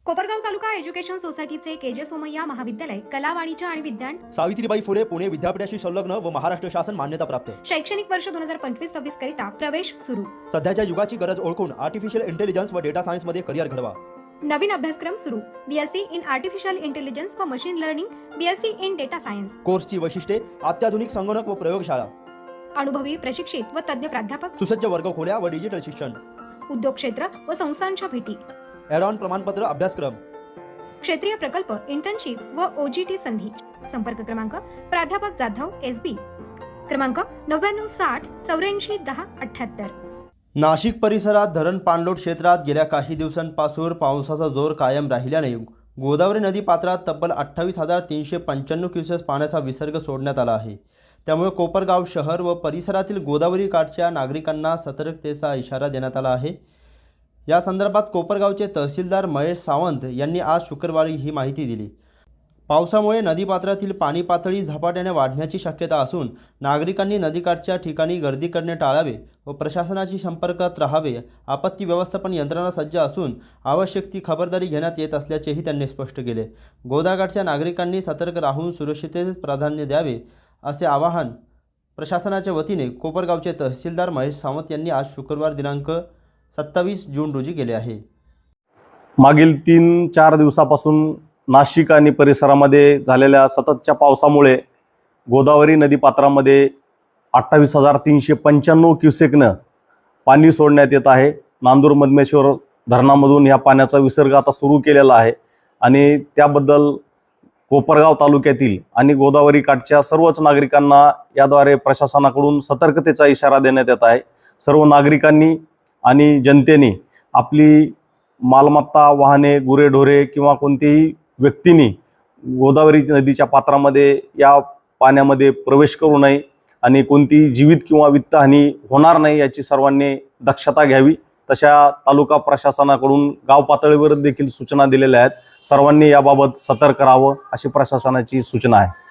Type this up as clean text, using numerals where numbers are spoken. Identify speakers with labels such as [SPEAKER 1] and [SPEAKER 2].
[SPEAKER 1] Kopargaon taluka education सोसायटीचे KJ Somaiya महाविद्यालय कला वाणिज्य आणि विज्ञान
[SPEAKER 2] सावित्रीबाई फुले पुणे विद्यापीठाशी संलग्न व महाराष्ट्र शासन मान्यता प्राप्त
[SPEAKER 1] शैक्षणिक वर्ष 2025-26 करिता प्रवेश सुरू।
[SPEAKER 2] सध्याच्या युगाची गरज ओळखून आर्टिफिशियल इंटेलिजन्स व डेटा सायन्स मध्ये करिअर घडवा।
[SPEAKER 1] नवीन अभ्यासक्रम सुरू। बीएससी इन आर्टिफिशियल इंटेलिजन्स व machine learning, BSc in data science.
[SPEAKER 2] कोर्सची वैशिष्ट्ये अत्याधुनिक संगणक व प्रयोगशाळा,
[SPEAKER 1] अनुभवी प्रशिक्षित व तज्ञ प्राध्यापक,
[SPEAKER 2] सुसज्ज वर्गखोल्या व डिजिटल शिक्षण,
[SPEAKER 1] उद्योग क्षेत्र व संस्थांच्या भेटी,
[SPEAKER 2] ॲड-ऑन प्रमाणपत्र अभ्यासक्रम,
[SPEAKER 1] क्षेत्रीय प्रकल्प, इंटर्नशिप व ओजीटी संधी। संपर्क क्रमांक प्राध्यापक जाधव एसबी, क्रमांक 9960841078।
[SPEAKER 2] नाशिक परिसरात धरण पाणलोट क्षेत्रात गेल्या काही दिवसांपासून पावसाचा जोर कायम राहिल्याने गोदावरी नदी पात्रात तब्बल 28,395 क्युसेस पाण्याचा विसर्ग सोडण्यात आला आहे। त्यामुळे कोपरगाव शहर व परिसरातील गोदावरी काठच्या नागरिकांना सतर्कतेचा इशारा देण्यात आला आहे। या संदर्भात कोपरगावचे तहसीलदार महेश सावंत यांनी आज शुक्रवारी ही माहिती दिली। पावसामुळे नदीपात्रातील पाणी पातळी झपाट्याने वाढण्याची शक्यता असून नागरिकांनी नदीकाठच्या ठिकाणी गर्दी करणे टाळावे व प्रशासनाशी संपर्कात राहावे। आपत्ती व्यवस्थापन यंत्रणा सज्ज असून आवश्यक ती खबरदारी घेण्यात येत असल्याचेही त्यांनी स्पष्ट केले। गोदाकाठच्या नागरिकांनी सतर्क राहून सुरक्षिततेस प्राधान्य द्यावे असे आवाहन प्रशासनाच्या वतीने कोपरगावचे तहसीलदार महेश सावंत यांनी आज शुक्रवार दिनांक 27 जून रोजी केले आहे।
[SPEAKER 3] मागील 3-4 दिवसापासून नाशिक आणि परिसरामध्ये झालेल्या सततच्या पावसामुळे गोदावरी नदीपात्रामध्ये 28,395 क्युसेकनं पाणी सोडण्यात येत आहे। नांदूर मधमेश्वर धरणामधून या पाण्याचा विसर्ग आता सुरू केलेला आहे आणि त्याबद्दल कोपरगाव तालुक्यातील आणि गोदावरी काठच्या सर्वच नागरिकांना याद्वारे प्रशासनाकडून सतर्कतेचा इशारा देण्यात येत आहे। सर्व नागरिकांनी आणि जनतेने आपली मालमत्ता, वाहने, गुरेढोरे किंवा कोणतेही व्यक्तींनी गोदावरी नदीच्या पात्रामध्ये या पाण्यामध्ये प्रवेश करू नये आणि कोणतीही जीवित किंवा वित्तहानी होणार नाही याची सर्वांनी दक्षता घ्यावी। तशा तालुका प्रशासनाकडून गाव पातळीवर देखील सूचना दिलेल्या आहेत। सर्वांनी याबाबत सतर्क राहावं अशी प्रशासनाची सूचना आहे।